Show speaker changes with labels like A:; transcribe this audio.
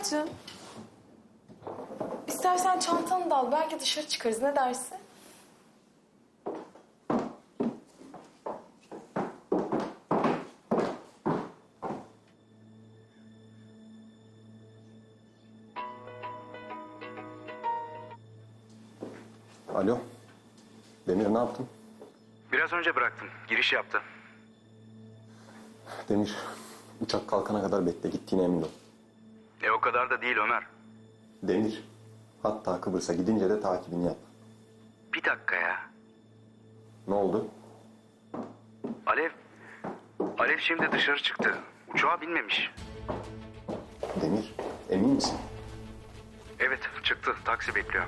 A: Ömerciğim. İstersen çantanı da al. Belki dışarı çıkarız. Ne dersin?
B: Alo. Demir ne yaptın?
C: Biraz önce bıraktım. Giriş yaptı.
B: Demir, uçak kalkana kadar bekle. Gittiğine emin ol.
C: O kadar da değil Ömer.
B: Demir, hatta Kıbrıs'a gidince de takibini yap.
C: Bir dakika ya.
B: Ne oldu?
C: Alev şimdi dışarı çıktı. Uçağa binmemiş.
B: Demir, emin misin?
C: Evet çıktı. Taksi bekliyor.